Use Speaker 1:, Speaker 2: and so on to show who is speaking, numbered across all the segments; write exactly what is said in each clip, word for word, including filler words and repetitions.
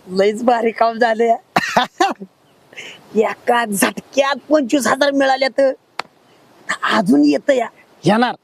Speaker 1: लईच भारी काम झाले एका झटक्यात पंचवीस हजार मिळाले तर अजून येत या
Speaker 2: येणार.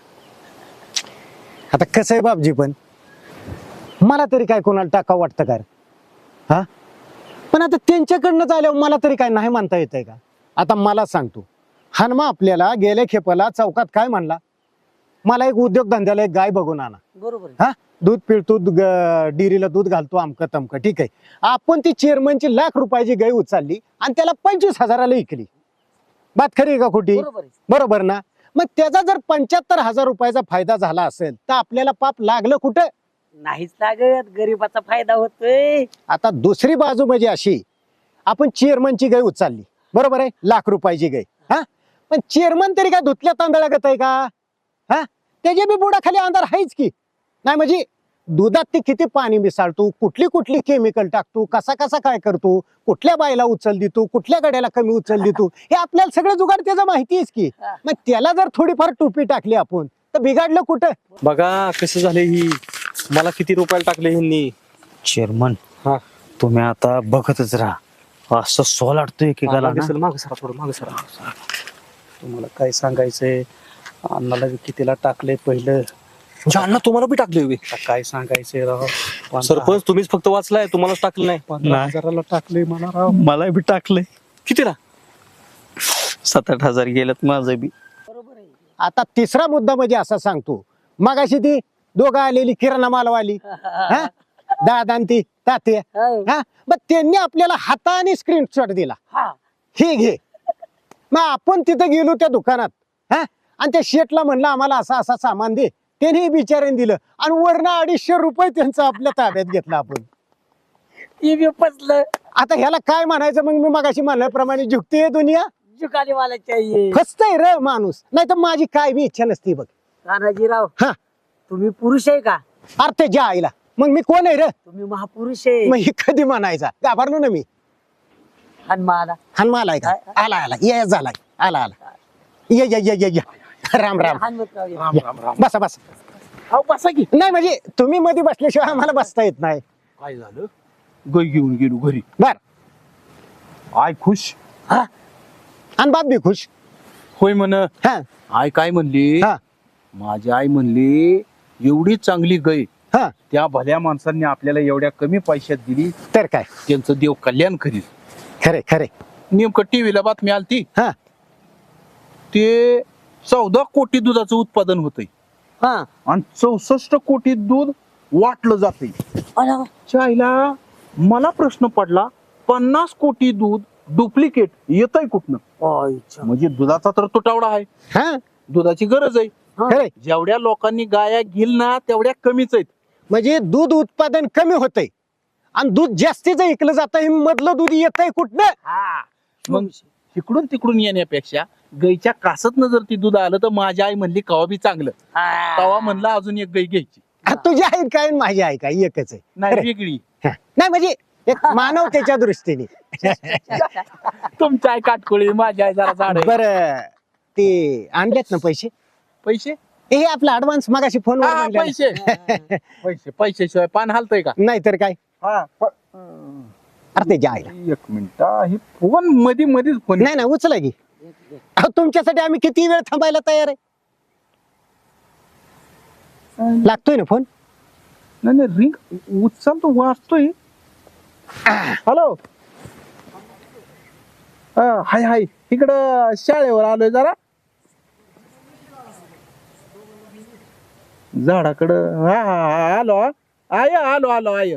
Speaker 2: आता कसं आहे बापजी, पण मला तरी काय कोणाला टाकावं वाटतं का रे? हा पण आता त्यांच्याकडनं आल्यावर मला तरी काय नाही म्हणता येतंय का? आता मला सांगतो, हनुमा आपल्याला गेल्या खेपाला चौकात काय म्हणला, मला एक उद्योगधंद्याला एक गाय बघून आणा.
Speaker 1: बरोबर
Speaker 2: हा दूध पिळतो, डिरीला दूध घालतो, अमकं तमकं, ठीक आहे. आपण ती चेअरमनची लाख रुपयाची गाय उचलली आणि त्याला पंचवीस हजाराला विकली. बात खरी आहे का खोटी?
Speaker 1: बरोबर
Speaker 2: बरोबर ना? मग त्याचा जर पंच्याहत्तर हजार रुपयाचा फायदा झाला असेल तर आपल्याला पाप लागलं कुठं?
Speaker 1: नाहीच लागत, गरीबाचा फायदा होतोय.
Speaker 2: आता दुसरी बाजू म्हणजे अशी, आपण चेअरमनची गाय उचलली, बरोबर आहे, लाख रुपयाची गाय. हा पण चेअरमन तरी काय धुतल्या तांदळागत आहे का? हा त्याच्या बी बुडाखाली अंधार आहेच की नाही. म्हणजे दुधात ते किती पाणी मिसळतो, कुठली कुठली केमिकल टाकतो, कसा कसा काय करतो, कुठल्या बायला उचल देतो, कुठल्या गाड्याला कमी उचल देतो, हे आपल्याला सगळं जुगाड त्याचं माहितीच की. मग त्याला जर थोडीफार टोपी टाकली आपण तर बिघाडलं कुठं?
Speaker 3: बघा कसं झाले, ही मला किती रुपयाला टाकले ह्यांनी.
Speaker 4: चेअरमन
Speaker 3: हा
Speaker 4: तुम्ही आता बघतच राहा, असं सोलाटतो एकेकाला ना.
Speaker 3: माग सरा थोडं माग सरा. तुम्हाला काय सांगायचंय, अण्णाला बी कितीला टाकले पहिलं. अण्णा तुम्हाला बी टाकले होय?
Speaker 4: आता काय सांगायचंय राव,
Speaker 3: सरपंच तुम्हीच फक्त वाचलाय, तुम्हालाच टाकलं नाही.
Speaker 4: पंधरा
Speaker 3: हजाराला टाकले मला राव.
Speaker 4: मला बी टाकलंय,
Speaker 3: कितीला?
Speaker 4: सात आठ हजार गेल्यात माझं बी.
Speaker 1: बरोबर आहे.
Speaker 2: आता तिसरा मुद्दा म्हणजे असा सांगतो, मगाशी ती दोघं आलेली किराणा मालवाली, हा दादा आणि ती तात्या,
Speaker 1: हो.
Speaker 2: हा मग त्यांनी आपल्याला हाताने स्क्रीनशॉट दिला,
Speaker 1: हा.
Speaker 2: हे घे. मग आपण तिथं गेलो त्या दुकानात, हा आणि त्या शेटला म्हणलं आम्हाला असं असं सामान दे, त्याने बिचाऱ्याने दिलं आणि वरनं अडीचशे रुपये त्यांचं आपल्या ताब्यात घेतलं आपण.
Speaker 1: ती बी फसलं.
Speaker 2: आता ह्याला काय म्हणायचं? मग मी मगाशी म्हणल्याप्रमाणे झुकते दुनिया,
Speaker 1: जुकाने मला चाहिए.
Speaker 2: फसतय र माणूस. नाही तर माझी काय बी इच्छा नसती बघ.
Speaker 1: तानाजीराव,
Speaker 2: हा
Speaker 1: तुम्ही पुरुष आहे का?
Speaker 2: अरे त्या आईला मग मी कोण आहे र?
Speaker 1: तुम्ही महापुरुष आहे.
Speaker 2: मग ही कधी म्हणायचा? घाबरलो ना मी.
Speaker 1: हनुमाला
Speaker 2: हनुमान आलाय का? आला आला ये झालाय, आला आला, ये ये ये ये ये. राम राम.
Speaker 1: हनुमंतराव ये.
Speaker 3: राम राम राम.
Speaker 2: बसा बसा.
Speaker 1: अहो बसा की.
Speaker 2: नाही म्हणजे तुम्ही मध्ये बसल्याशिवाय आम्हाला बसता येत नाही.
Speaker 3: काय झालं? गै घेऊन गेलो घरी.
Speaker 2: बर.
Speaker 3: आय खुश.
Speaker 2: हा आणि बाप बी खुश.
Speaker 3: होय म्हण.
Speaker 2: हा
Speaker 3: आय काय म्हणली,
Speaker 2: हा
Speaker 3: माझी आई म्हणली एवढी चांगली गाय
Speaker 2: हा
Speaker 3: त्या भल्या माणसांनी आपल्याला एवढ्या कमी पैशात दिली,
Speaker 2: तर काय,
Speaker 3: त्यांचं देव कल्याण करील.
Speaker 2: खरे खरे.
Speaker 3: नेमकं टीव्हीला बातमी आलती,
Speaker 2: हा
Speaker 3: ते चौदा कोटी दुधाचं उत्पादन होतंय
Speaker 1: हा.
Speaker 3: आणि चौसष्ट कोटी दूध वाटलं जातंय.
Speaker 1: अरे,
Speaker 3: च्या आईला मला प्रश्न पडला, पन्नास कोटी दूध डुप्लिकेट येतंय कुठनं?
Speaker 1: आईच्या.
Speaker 3: म्हणजे दुधाचा तर तुटवडा आहे,
Speaker 2: हा
Speaker 3: दुधाची गरज आहे.
Speaker 2: खरे.
Speaker 3: जेवढ्या लोकांनी गाया घेईल ना तेवढ्या कमीच आहेत.
Speaker 2: म्हणजे दूध उत्पादन कमी होतंय आणि दूध जास्तीच ऐकलं जात आहे, मधलं दूध येतंय कुठनं?
Speaker 1: हा.
Speaker 3: मग इकडून तिकडून येण्यापेक्षा गाईच्या कासतनं जर ती दूध आलं तर माझी आई म्हणली कवा बी चांगलं.
Speaker 1: हा.
Speaker 3: तवा म्हणलं अजून एक गाई घ्यायची.
Speaker 2: आ, तुझी आहे काय आणि माझी आहे काय? एकच आहे.
Speaker 3: नाही
Speaker 2: खरे.
Speaker 3: वेगळी.
Speaker 2: हा. नाही म्हणजे एक मानवतेच्या दृष्टीने.
Speaker 3: तुमची आई काटकोळी, माझी आई जरा झाड आहे.
Speaker 2: बर ते आणलेत ना पैसे?
Speaker 3: पैसे
Speaker 2: हे आपला ऍडव्हान्स मगाशी
Speaker 3: हा,
Speaker 2: फोनवर
Speaker 3: पैसे पैसे पैशाशिवाय पान हालतंय का?
Speaker 2: नाही तर काय.
Speaker 3: हा, प-
Speaker 2: अरे ते जायला
Speaker 3: एक मिनिट, ही फोन मध्ये मध्येच फोन.
Speaker 2: नाही ना, उचला की. अहो, तुमच्यासाठी आम्ही किती वेळ थांबायला तयार आहे. लागतोय ना फोन?
Speaker 3: नाही नाही, रिंग उचल तो वाचतोय. हॅलो, हाय हाय, इकडं शाळेवर आलोय जरा झाडाकडं. हा हा हा, आलो हा. आय आलो आलो आय.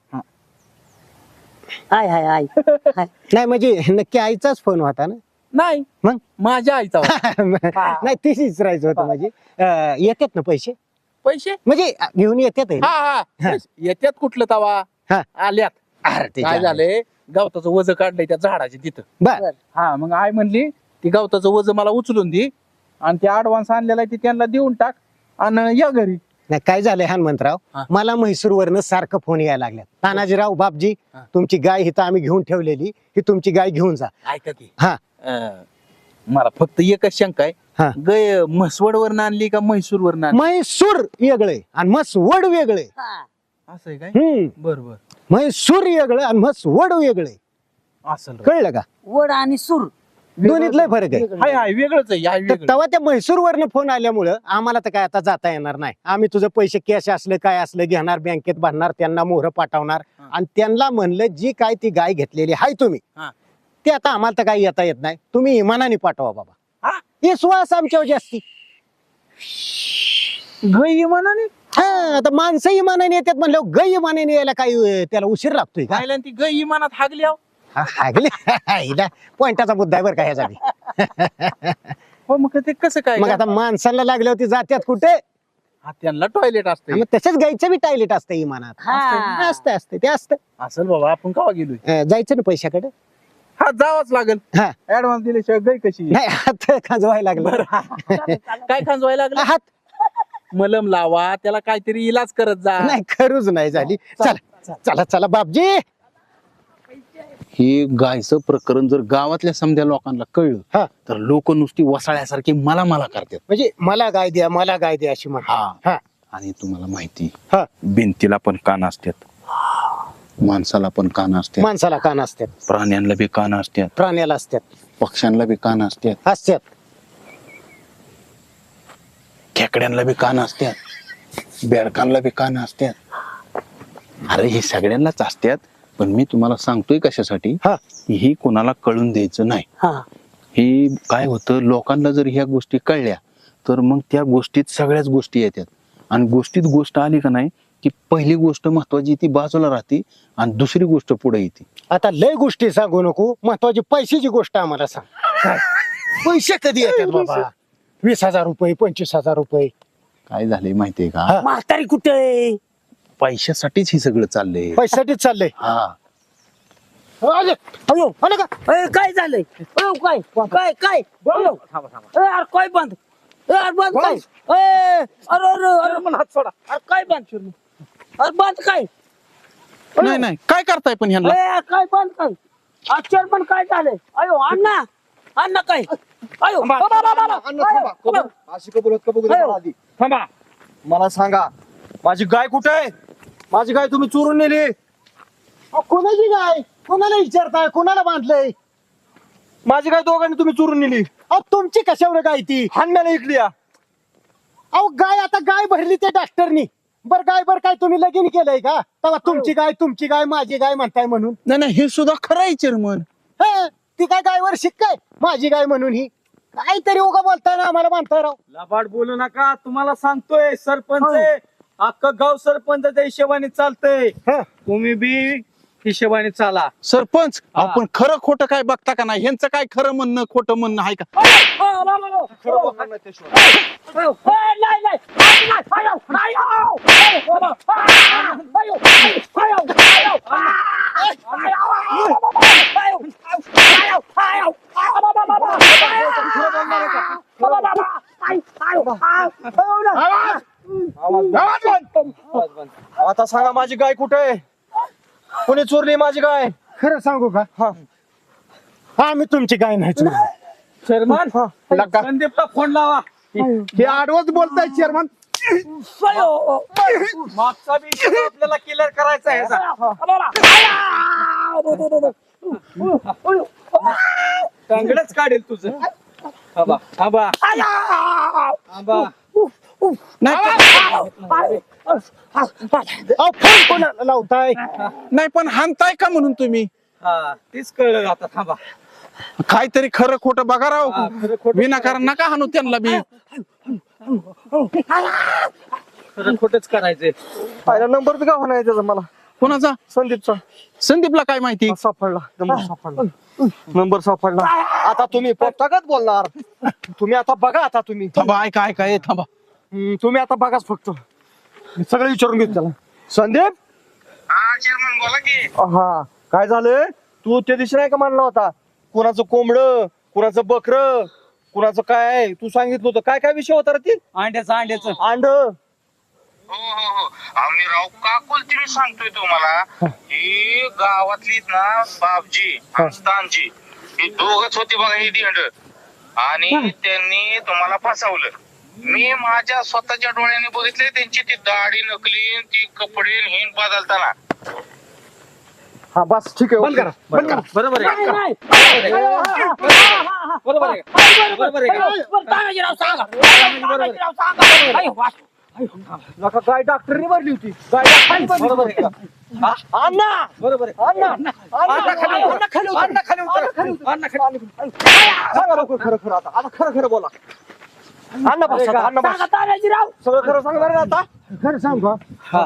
Speaker 1: हाय हाय हाय हाय.
Speaker 2: नाही म्हणजे नक्की आईचाच फोन होता ना?
Speaker 3: नाही
Speaker 2: मग
Speaker 3: माझ्या आईचा होता.
Speaker 2: नाही तीच विचारायचं होतं. म्हणजे अं, येतात ना पैसे?
Speaker 3: पैसे
Speaker 2: म्हणजे अं, घेऊन येतात आहे ना?
Speaker 3: हा हा, येत्यात कुठलं तवा
Speaker 2: हा.
Speaker 3: आल्यात.
Speaker 2: अरे ते
Speaker 3: काय
Speaker 2: जायला.
Speaker 3: झालंय, गवताचं वज काढलंय त्या झाडाच्या तिथं.
Speaker 2: बर.
Speaker 3: हा, मग आई म्हणली ती गवताचं वज मला उचलून दे आणि ते ऍडव्हान्स आणलेला आहे ते त्यांना देऊन टाक आणि या घरी.
Speaker 2: नाही काय झालंय हनुमंतराव,
Speaker 3: हा.
Speaker 2: मला म्हैसूर वरनं सारखं फोन यायला लागल्यात. तानाजीराव बापजी,
Speaker 3: हा.
Speaker 2: तुमची गाय हिथं आम्ही घेऊन ठेवलेली, ही तुमची गाय घेऊन जा.
Speaker 3: ऐका की,
Speaker 2: हा
Speaker 3: अं, मला फक्त एकच शंका आहे,
Speaker 2: हा.
Speaker 3: गय म्हसवड वरनं आणली का म्हैसूर वरनं आणली?
Speaker 2: म्हैसूर वेगळे आणि मसवड वेगळे.
Speaker 1: हा.
Speaker 3: असं आहे काय?
Speaker 2: हम्म
Speaker 3: बर बर.
Speaker 2: म्हैसूर वेगळं आणि म्हस वड वेगळं आहे.
Speaker 3: असेल रे.
Speaker 2: कळलं का?
Speaker 1: वड आणि सूर
Speaker 2: दोन्हीत लय फरक आहे.
Speaker 3: हाय हाय वेगळंच आहे हाय
Speaker 2: तर
Speaker 3: वेगळं.
Speaker 2: तेव्हा त्या म्हैसूर वरनं फोन आल्यामुळं आम्हाला तर काय आता जाता येणार नाही. आम्ही तुझं पैसे कॅश असलं काय असलं घेणार, बँकेत भरणार, त्यांना मोहर पाठवणार
Speaker 3: हा.
Speaker 2: आणि त्यांना म्हणलं जी काय ती गाय घेतलेली हाय तुम्ही
Speaker 3: हा.
Speaker 2: ते आता आम्हाला तर काही येता येत नाही, तुम्ही इमानाने पाठवा बाबा.
Speaker 3: हा?
Speaker 2: विश्वास आमच्यावर जास्ती.
Speaker 3: गई मनाने
Speaker 2: हा आता माणसं इमानाने येतात म्हणल्यावर गै इमानाने यायला काही अं, त्याला उशीर लागतोय का?
Speaker 3: खायला ती गई मनात हागली आहो.
Speaker 2: हा, हागले हिला पॉइंटाचा मुद्दा आहे बरं का ह्याचा.
Speaker 3: हो मग ते कसं काय
Speaker 2: मग आता माणसाला लागल्यावरती जात्यात कुठे?
Speaker 3: हा, त्यांना टॉयलेट असते.
Speaker 2: मग तसंच गायचं बी टॉयलेट असतं इमानात.
Speaker 1: हा.
Speaker 2: असतं असतं ते असतं.
Speaker 3: असेल बाबा आपण कवा गेलोय.
Speaker 2: अं, जायचं ना पैशाकडे.
Speaker 3: हा जावंच लागेल.
Speaker 2: हा
Speaker 3: ऍडव्हान्स दिल्याशिवाय गई कशी.
Speaker 2: नाही हात खाजवायला लागलं.
Speaker 3: काय खांजवायला लागलं.
Speaker 2: हात
Speaker 3: मलम लावा त्याला काहीतरी इलाज करत जा.
Speaker 2: नाही खरूच नाही झाली. चला चला चला बापजी.
Speaker 5: हे गायचं प्रकरण जर गावातल्या समध्या लोकांना
Speaker 2: हा.
Speaker 5: कळलं तर लोक नुसती वसाळ्यासारखी मला मला करतात.
Speaker 2: म्हणजे मला गाय द्या मला गाय द्या अशी म्हणा.
Speaker 5: हा
Speaker 2: हा
Speaker 5: आणि तुम्हाला माहिती
Speaker 2: हा.
Speaker 5: भिंतीला पण कान असतात, माणसाला पण कान असतात,
Speaker 2: माणसाला कान असतात,
Speaker 5: प्राण्यांना बी कान असतात,
Speaker 2: प्राण्याला असतात,
Speaker 5: पक्ष्यांना बी कान असतात,
Speaker 2: असतात,
Speaker 5: खेकड्यांना बी कान असतात, बेडकांना बी कान असतात. अरे हे सगळ्यांनाच असतात. पण मी तुम्हाला सांगतोय कशासाठी,
Speaker 2: हा.
Speaker 5: ही कोणाला कळून द्यायचं नाही.
Speaker 1: हा.
Speaker 5: हे काय होतं, लोकांना जर ह्या गोष्टी कळल्या तर मग त्या गोष्टीत सगळ्याच गोष्टी येतात आणि गोष्टीत गोष्ट आली का नाही की पहिली गोष्ट महत्वाची ती बाजूला राहते आणि दुसरी गोष्ट पुढे येते.
Speaker 2: आता लय गोष्टी सांगू नको, महत्वाची पैशाची गोष्ट आम्हाला सांग. काय? पैसे कधी येतात बाबा? वीस हजार रुपये पंचवीस हजार रुपये.
Speaker 5: काय झालंय माहितीये का,
Speaker 2: हा.
Speaker 1: म्हातारी कुठे आहे?
Speaker 5: पैशासाठीच हे सगळं चाललंय.
Speaker 2: पैशासाठीच चाललंय.
Speaker 5: हा
Speaker 2: आले. अयो, आले का?
Speaker 1: अय, काय झालंय? अयो, काय काय काय अयो. अय, अरे काय बंद अय, अरे बंद काय अय, अरे अरे अरे
Speaker 3: मला हात सोडा.
Speaker 1: अरे काय बंद अरे बंद काय
Speaker 3: नाही नाही काय करताय पण ह्यांना.
Speaker 1: अय, काय बंद काय अक्षर पण काय झालंय? अयो अण्णा अण्णा काय अयो बाबा, बाबा, बाबा. अयो, बाबा.
Speaker 6: अशी कबूल होत कबूल
Speaker 1: अयो.
Speaker 6: आधी थांबा, मला सांगा माझी गाय कुठे आहे? माझी गाय तुम्ही चोरून नेली.
Speaker 2: अहो, कोणाची गाय? कोणाला विचारताय? कोणाला बांधलंय?
Speaker 6: माझी गाय दोघांनी तुम्ही चोरून नेली.
Speaker 2: अहो तुमची कशावर गाय ती?
Speaker 6: हाणण्याला इकली या.
Speaker 2: अहो गाय आता गाय भरली त्या डॉक्टरनी. बर गाय बर काय तुम्ही लगीन केलंय का? तेव्हा तुमची गाय तुमची गाय माझी गाय म्हणताय म्हणून.
Speaker 3: नाही नाही हे सुद्धा खरं आहे चेअरमन.
Speaker 2: हे, ती काय गायवर शिक काय माझी गाय म्हणून ही काहीतरी उगा बोलताय ना आम्हाला बांधताय राव.
Speaker 6: लबाड बोलू नका, तुम्हाला सांगतोय सरपंच आहे. अख्खं गाव सरपंचाच्या हिशोबाने चालतंय.
Speaker 2: हा.
Speaker 6: तुम्ही बी हिशोबाने चाला.
Speaker 3: सरपंच
Speaker 6: हा.
Speaker 3: आपण खरं खोटं काय बघता का नाही, ह्यांचं काय खरं म्हणणं खोटं म्हणणं आहे का.
Speaker 1: अयो, बाबा, बाबा.
Speaker 6: खरं बोलणार नाही त्याशिवाय.
Speaker 1: अयो, अय, नाही नाही नाही, नाही. अयो, नाही, अयो. अयो, बाबा. आ, अयो, अयो, अयो, अयो. आ, अयो, अयो, बाबा. अयो, अयो, अयो. आ, बाबा, बाबा. अयो. बाबा, बाबा. अयो, अयो. आ, अयो, ना.
Speaker 6: आवाज बंद. आवाज बंद. आता सांगा माझी गाय कुठे आहे? कोणी चोरली माझी गाय?
Speaker 2: खरं सांगू का?
Speaker 6: हा.
Speaker 2: हा मी तुमची गाय नाही चोरली.
Speaker 6: चेअरमन संदीपला फोन लावा.
Speaker 3: हे आडवच बोलताय चेअरमन.
Speaker 1: अयो.
Speaker 6: मागचा बी issue आपल्याला क्लिअर करायचा आहे याचा.
Speaker 1: बाबा. अयो. अयो.
Speaker 6: टांगडच काढेल तुझं. थांबा थांबा थांबा.
Speaker 3: नाही
Speaker 2: अहो फोन कोणाला लावताय?
Speaker 3: नाही पण हानताय का म्हणून तुम्ही.
Speaker 6: हा तीच कळलं आता. थांबा.
Speaker 3: काहीतरी खरं खोटं बघा राव.
Speaker 6: हा, खरं खोटं
Speaker 3: विनाकारण नका हाणू त्यांना बी.
Speaker 6: खरं खोटच करायचंय. पहिला नंबर बी गाव नाही त्याचा मला.
Speaker 3: कोणाचा?
Speaker 6: संदीपचा.
Speaker 3: संदीपला काय माहिती.
Speaker 6: हा, सापडला नंबर सापडला. नंबर सापडला. आता तुम्ही पोपटागत बोलणार. तुम्ही आता बघा. आता तुम्ही
Speaker 3: थांबा ऐका ऐका ए थांबा.
Speaker 6: हम्म, तुम्ही आता बघाच फक्त. मी सगळं विचारून घेतो त्याला. संदीप. हा काय झालं? तू त्या दिवशी नाही का म्हणला होता कुणाचं कोंबड कुणाचं बकर कुणाचं काय आहे? तू सांगितलं होतं. काय काय विषय होता रे ती? अंड्याचं अंड्याचं अंड.
Speaker 7: हो हो हो आम्ही राव काकुल तुम्ही सांगतोय तुम्हाला ही गावातली ना बापजी स्थानजी ही दोघच होती बघा ही दिंड आणि त्यांनी तुम्हाला फसवलं. मी माझ्या स्वतःच्या डोळ्यांनी बघितले त्यांची ती दाढी नकली ती कपडे हिन बदलताना.
Speaker 6: हा बस ठीक आहे बंद करा बंद करा बरोबर आहे
Speaker 1: नाही,
Speaker 6: बरोबर आहे.
Speaker 1: नाही.
Speaker 6: बरोबर आहे बरोबर आहे का?
Speaker 1: तानाजीराव सांगा तानाजीराव सांगा अयो, वा.
Speaker 6: नका काय डॉक्टरनी भरली होती काय डॉक्टरनी भरली बरोबर आहे का? हा? अण्णा बरोबर आहे अण्णा अण्णा खाली अण्णा खाली उतर. अण्णा खाली उतर. अण्णा खाली उतर. सांगा लवकर खरं खरं आता आता खरं खरं बोला अण्णा बस आता, अण्णा बस
Speaker 1: सांगा तानाजीराव
Speaker 6: सगळं खरं सांगणार ना आता
Speaker 2: खरं सांग बा.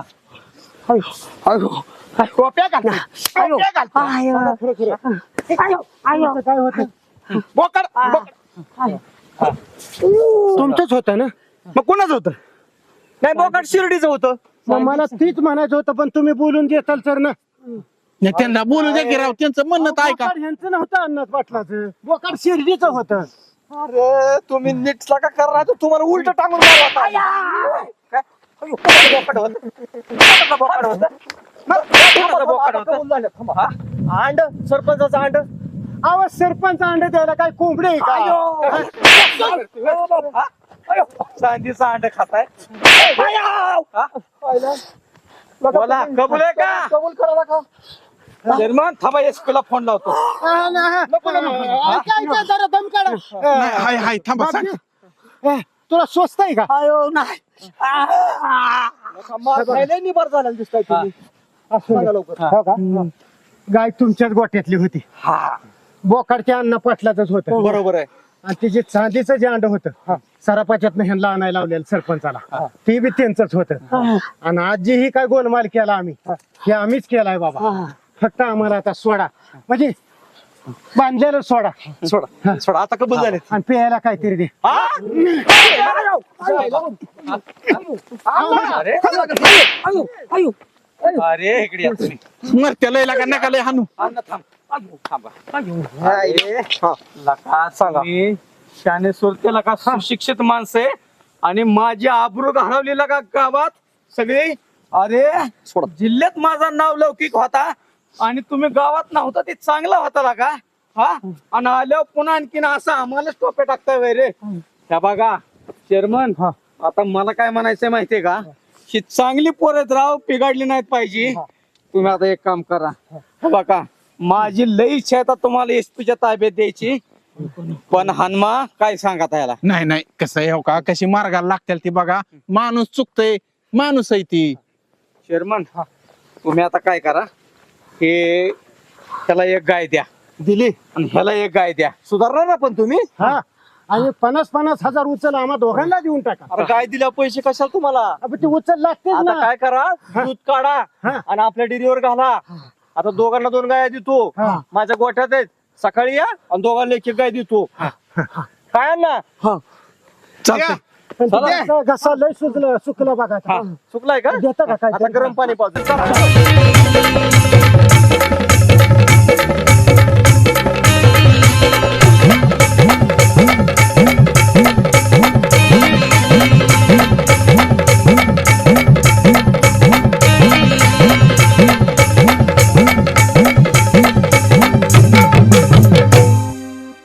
Speaker 6: टोप्या घाल टोप्या घाल
Speaker 1: आयो.
Speaker 6: खरं खरं
Speaker 1: आयो आयो
Speaker 2: काय होतं
Speaker 6: बोकड बोकड.
Speaker 2: तुमचंच होतं ना
Speaker 6: मग कोणाचं होतं नाही बोकड शिर्डीचं होतं
Speaker 2: मग मला तीच म्हणायचं होतं पण तुम्ही बोलून देताल सर ना
Speaker 5: नाही, त्यांना बोलू द्या की राव, त्यांचं म्हणणं तर ऐका.
Speaker 2: बोकाड ह्यांचं नव्हतं अन्नात पाटलाचं बोकाड शिर्डीचं होतं.
Speaker 6: अरे तुम्ही नीट का करणार तर तुम्हाला उलट टांगून मारू आता. काय? अयो, कोणाचं बोकड होतं? कोणाचं बोकड होतं? कोणाचं बोकड होतं? कबूल झालं. थांबा, हा? अंड सरपंचाचं अंड
Speaker 2: अहो सरपंच अंडे द्यायला काय कोंबडे आहे का?
Speaker 6: हा? अयो, चांदीचं अंड खाताय हा? बोला कबूल आहे का कबूल करा का चेअरमन थांबा एसपीला फोन लावतो
Speaker 2: हा ना, हा. ऐका, ऐका, जरा दम काढा.
Speaker 5: नाही, हाय हाय थांबा सांग.
Speaker 2: ए, तुला स्वस्त आहे का
Speaker 1: आयो नाही
Speaker 6: लय निबार झाला दिसताय तुम्ही सांगा लवकर
Speaker 2: हो का? गाय तुमच्याच गोट्यातली होती बोकाडच्या अन्न पाटलाच होतं
Speaker 6: बरोबर आहे
Speaker 2: आणि तिचे चांदीचं जे अंड होतं सरापाच्यातनं ह्यांना आणायला लावलेलं सरपंचाला ते बी त्यांचंच होतं आणि आज जे ही काय गोलमाल केला आम्ही हे आम्हीच केलाय बाबा फक्त आम्हाला आता सोडा म्हणजे बांधलेलं सोडा
Speaker 6: सोडा सोडा आता कबूल झाले
Speaker 2: आणि प्यायला काहीतरी दे
Speaker 6: अरे
Speaker 1: आयो आयो
Speaker 6: अरे इकडे या तुम्ही
Speaker 5: मर त्याला लागा नका लय हानू.
Speaker 6: अण्णा थांब आयो, थांबा हा. लका सांगा शाने सुरते लका सुशिक्षित माणसं आहे आणि माझी आबरू घालवलेला का गावात सगळे अरे जिल्ह्यात माझा नाव लौकिक होता आणि तुम्ही गावात नव्हता ते चांगला होता लका हा आणि आल्यावर पुन्हा आणखीन असं आम्हालाच टोपे टाकताय वय रे त्या बघा चेअरमन आता मला काय म्हणायचंय माहितीये का ही चांगली पोरत राव पिघडली नाहीत पाहिजे तुम्ही आता एक काम करा हे बघा माझी लई इच्छा आहे आता तुम्हाला एसपीच्या ताब्यात द्यायची पण हनुमा काय सांगा याला
Speaker 5: नाही नाही कसं आहे हो का, कशी मार्गाला लागतील ती बघा. माणूस चुकतय, माणूस आहे ती.
Speaker 6: चेअरमन तुम्ही आता काय करा हे त्याला एक गाय द्या
Speaker 2: दिली
Speaker 6: आणि ह्याला एक गाय द्या सुधारणार ना पण तुम्ही
Speaker 2: हा आणि पन्नास पन्नास हजार उचल आम्हा दोघांना देऊन टाका
Speaker 6: अरे गाय दिल्या पैसे कशाला तुम्हाला
Speaker 2: अब ते उचल लागतेच
Speaker 6: आता
Speaker 2: ना
Speaker 6: काय करा दूध काढा
Speaker 2: हा.
Speaker 6: आणि आपल्या डेअरीवर घाला आता दोघांना दोन गाया देतो
Speaker 2: हा.
Speaker 6: माझ्या गोठ्यात आहेत सकाळी या आणि दोघांना एक एक गाय देतो काय ना
Speaker 5: चालतंय.
Speaker 2: पण ते घसा लय सुचलं सुकलं बघा
Speaker 6: चुकलाय का
Speaker 2: देता का काय
Speaker 6: आता गरम पाणी पाहतो